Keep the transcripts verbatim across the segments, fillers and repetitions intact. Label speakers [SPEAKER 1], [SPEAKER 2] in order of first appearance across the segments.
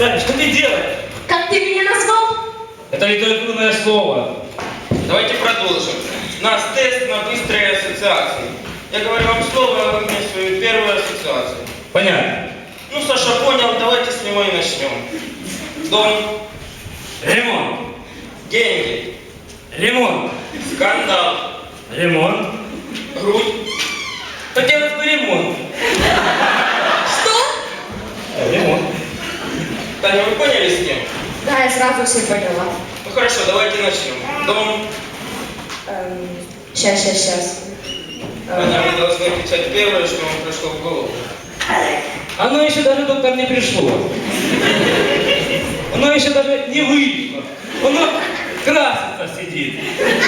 [SPEAKER 1] Таня, что ты делаешь?
[SPEAKER 2] Как ты меня назвал?
[SPEAKER 1] Это литературное слово.
[SPEAKER 3] Давайте продолжим. У нас тест на быстрые ассоциации. Я говорю вам слово, а вы мне свою первую ассоциацию.
[SPEAKER 1] Понятно.
[SPEAKER 3] Ну, Саша понял, давайте с него и начнем. Дом,
[SPEAKER 1] Ремонт.
[SPEAKER 3] деньги,
[SPEAKER 1] Ремонт.
[SPEAKER 3] скандал,
[SPEAKER 1] Ремонт.
[SPEAKER 3] грудь.
[SPEAKER 1] Хотелось бы ремонт.
[SPEAKER 2] Что?
[SPEAKER 1] Ремонт.
[SPEAKER 3] Таня, вы поняли с кем?
[SPEAKER 2] Да, я сразу все поняла.
[SPEAKER 3] Ну хорошо, давайте начнем. Дом.
[SPEAKER 2] Эм, сейчас, сейчас, сейчас.
[SPEAKER 3] Таня, вы должны кричать первое, что вам пришло в голову.
[SPEAKER 1] Оно еще даже, доктор, не пришло. Оно еще даже не вышло. Оно красится сидит.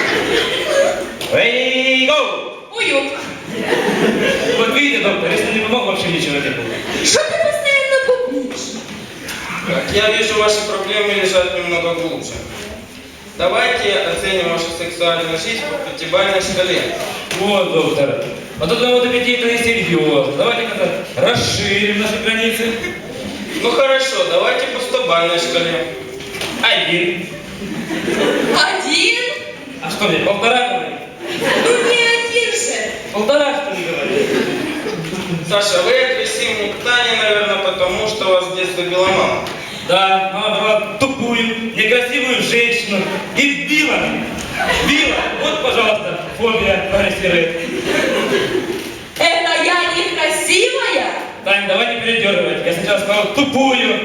[SPEAKER 1] Эй, гоу!
[SPEAKER 2] Уют.
[SPEAKER 1] Вот видите, доктор, если не помог, вообще ничего не было.
[SPEAKER 2] Что ты постоянно бубнишь?
[SPEAKER 3] Так, я вижу, ваши проблемы лежат немного глубже. Давайте оценим вашу сексуальную жизнь по пятибалльной шкале.
[SPEAKER 1] Вот, доктор. А тут на вот до пяти это несерьезно. Давайте как-то расширим наши границы.
[SPEAKER 3] Ну хорошо, давайте по стобалльной шкале.
[SPEAKER 1] Один.
[SPEAKER 2] Один?
[SPEAKER 1] А что мне, полтора говорит?
[SPEAKER 2] Ну не один же.
[SPEAKER 1] Полтора, что ли, говорит?
[SPEAKER 3] Саша, вы агрессивны к Тане, наверное, потому что вас в детстве била мама.
[SPEAKER 1] Да, мама брала тупую, некрасивую женщину и била меня. Била. Вот, пожалуйста, фобия агрессирует.
[SPEAKER 2] Это я некрасивая?
[SPEAKER 1] Тань, давай не передергивать. Я сначала сказал тупую.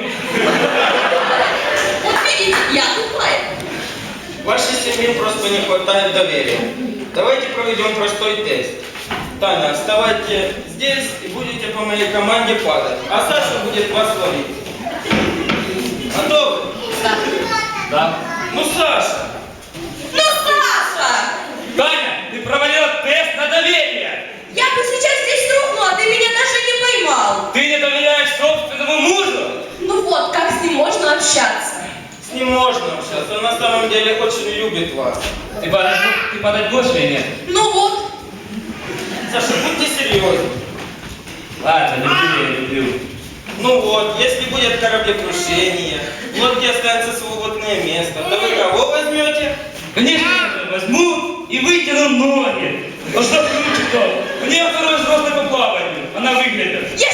[SPEAKER 2] Вот видите, я тупая.
[SPEAKER 3] Вашей семье просто не хватает доверия. Давайте проведем простой тест. Таня, вставайте здесь и будете по моей команде падать, а Саша будет вас ловить. Готовы?
[SPEAKER 2] Да.
[SPEAKER 1] Да.
[SPEAKER 3] Ну, Саша!
[SPEAKER 2] Ну, Саша!
[SPEAKER 1] Таня, ты провалила тест на доверие.
[SPEAKER 2] Я бы сейчас здесь рухнула, а ты меня даже не поймал.
[SPEAKER 1] Ты не доверяешь собственному мужу?
[SPEAKER 2] Ну вот, как с ним можно общаться?
[SPEAKER 3] С ним можно общаться, он на самом деле очень любит вас.
[SPEAKER 1] Ты падать, ты падать будешь или нет?
[SPEAKER 2] Ну вот.
[SPEAKER 3] Саша, будьте серьезны.
[SPEAKER 1] Ладно, люблю, я люблю.
[SPEAKER 3] Ну вот, если будет кораблекрушение, в лодке останется свободное место, то вы кого возьмете?
[SPEAKER 1] Конечно, я возьму и вытяну ноги. А что круче-то? У нее второй взрослый по плаванию. Она выглядит.
[SPEAKER 2] Я